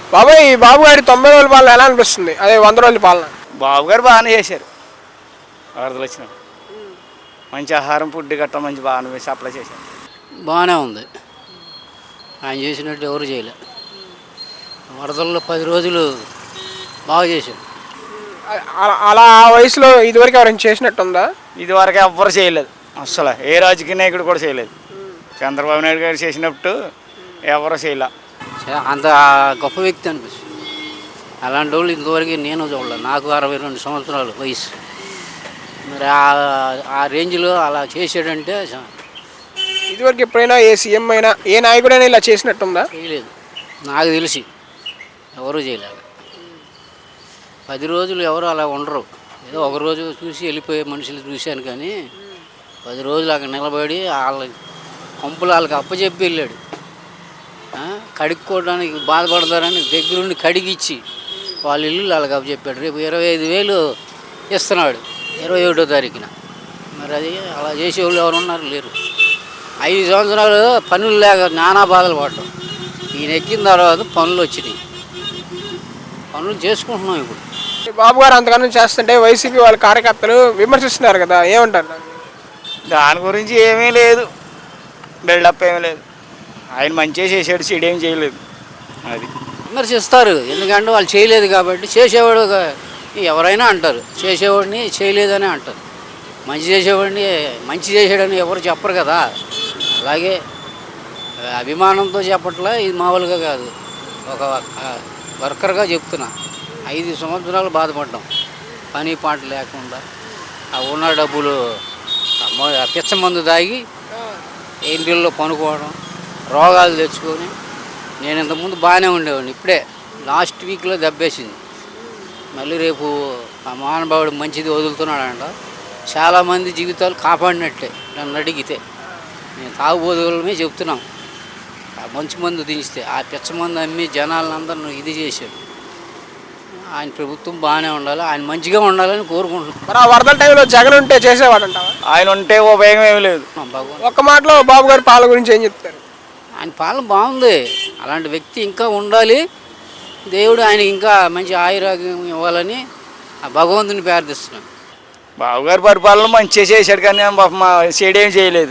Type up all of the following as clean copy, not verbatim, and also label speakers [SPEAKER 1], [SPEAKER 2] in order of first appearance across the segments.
[SPEAKER 1] బాబాయ్ ఈ బాబు గారి 90 రోజుల పాలన ఎలా అనిపిస్తుంది, అదే 100 రోజుల పాలన?
[SPEAKER 2] బాబు గారు బాగానే చేశారు. వరదలు వచ్చినప్పుడు మంచి ఆహారం ఫుడ్ గట్రా మంచి బాగానే సప్లై చేశారు.
[SPEAKER 3] బాగానే ఉంది. ఆయన చేసినట్టు ఎవరు చేయలే. వరదల్లో 10 రోజులు బాగా చేశారు.
[SPEAKER 1] అలా ఆ వయసులో ఇదివరకు ఎవరైనా చేసినట్టుందా?
[SPEAKER 2] ఇదివరకు ఎవ్వరు చేయలేదు, అసలు ఏ రాజకీయ నాయకుడు కూడా చేయలేదు. చంద్రబాబు నాయుడు గారు చేసినట్టు ఎవరు చేయలే.
[SPEAKER 3] అంత గొప్ప వ్యక్తి అనిపిస్తుంది. అలాంటి వాళ్ళు ఇంతవరకు నేను చూడలేదు. నాకు 62 సంవత్సరాలు వయసు. మరి ఆ రేంజ్లో అలా చేసాడంటే
[SPEAKER 1] ఇదివరకు ఎప్పుడైనా ఏ సీఎం అయినా ఏ నాయకుడైనా ఇలా చేసినట్టుందా?
[SPEAKER 3] చేయలేదు, నాకు తెలిసి ఎవరూ చేయలేదు. 10 రోజులు ఎవరు అలా ఉండరు. ఏదో ఒక రోజు చూసి వెళ్ళిపోయే మనుషులు చూశాను, కానీ 10 రోజులు అక్కడ నిలబడి వాళ్ళ కొంపలు వాళ్ళకి అప్పచెప్పి వెళ్ళాడు. కడుక్కోవడానికి బాధపడతారని దగ్గరుండి కడిగిచ్చి వాళ్ళ ఇల్లు వాళ్ళకి అప్పచెప్పాడు. రేపు 25,000 ఇస్తున్నాడు 21వ తారీఖున. మరి అది అలా చేసేవాళ్ళు ఎవరు ఉన్నారు? లేరు. 5 సంవత్సరాలు పనులు లేక నానా బాధలు పడ్డాం. ఈయన ఎక్కిన తర్వాత పనులు వచ్చినాయి, పనులు చేసుకుంటున్నాం. ఇప్పుడు
[SPEAKER 1] బాబు గారు అంతగానో చేస్తుంటే వైసీపీ వాళ్ళ కార్యకర్తలు విమర్శిస్తున్నారు కదా, ఏమంటారు?
[SPEAKER 2] దాని గురించి ఏమీ లేదు, బిల్డప్ ఏమీ లేదు. ఆయన మంచిగా చేసాడు, చెడేం చేయలేదు. అది
[SPEAKER 3] విమర్శిస్తారు, ఎందుకంటే వాళ్ళు చేయలేదు కాబట్టి. చేసేవాడు ఎవరైనా అంటారు, చేసేవాడిని చేయలేదని అంటారు. మంచి చేసేవాడిని మంచి చేసాడని ఎవరు చెప్పరు కదా. అలాగే అభిమానంతో చెప్పట్లా, ఇది మామూలుగా కాదు, ఒక వర్కర్గా చెప్తున్నా. 5 సంవత్సరాలు బాధపడ్డాం, పని పాట లేకుండా. ఆ ఉన్న డబ్బులు పిచ్చ మందు తాగి ఇంటిల్లో పనుకోవడం, రోగాలు తెచ్చుకొని. నేను ఇంతకుముందు బాగానే ఉండేవాడిని, ఇప్పుడే లాస్ట్ వీక్లో దెబ్బేసింది. మళ్ళీ రేపు ఆ మహానుభావుడు మంచిది వదులుతున్నాడంట. చాలామంది జీవితాలు కాపాడినట్టే నన్ను అడిగితే. నేను తాగుబోతులమే చెప్తున్నాం, ఆ మంచి మందు దించితే ఆ పిచ్చ మందు అమ్మి జనాలందరూ ఇది చేశాడు. ఆయన ప్రభుత్వం బాగానే ఉండాలి, ఆయన మంచిగా ఉండాలని కోరుకుంటున్నాం.
[SPEAKER 1] మరి ఆ వరదల టైంలో జగన్ ఉంటే చేసేవాడంటావా?
[SPEAKER 2] ఆయన ఉంటే ఉపయోగం ఏమి లేదు.
[SPEAKER 1] ఒక్క మాటలో బాబు గారి పాలన గురించి ఏం చెప్తారు?
[SPEAKER 3] ఆయన పాలన బాగుంది. అలాంటి వ్యక్తి ఇంకా ఉండాలి. దేవుడు ఆయనకి ఇంకా మంచి ఆయురాగ్యం ఇవ్వాలని ఆ భగవంతుని ప్రార్థిస్తున్నాను.
[SPEAKER 2] బాబు గారి పరిపాలన మంచిగా చేశాడు, కానీ మా చెడేం చేయలేదు.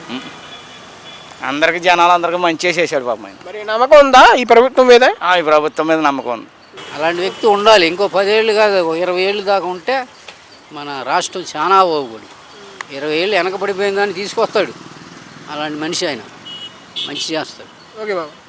[SPEAKER 2] అందరికి జనాలందరికీ మంచిగా చేశాడు పాపం ఆయన.
[SPEAKER 1] మరి నమ్మకం ఉందా ఈ ప్రభుత్వం మీద?
[SPEAKER 2] ఈ ప్రభుత్వం మీద నమ్మకం ఉంది.
[SPEAKER 3] అలాంటి వ్యక్తి ఉండాలి. ఇంకో 10 ఏళ్ళు కాదు, 20 ఏళ్ళు దాకా ఉంటే మన రాష్ట్రం చాలా బాగుపడి. 20 ఏళ్ళు వెనకబడిపోయిన దాన్ని తీసుకొస్తాడు. అలాంటి మనిషి ఆయన, మంచి చేస్తాడు.
[SPEAKER 1] ఓకే బాబు.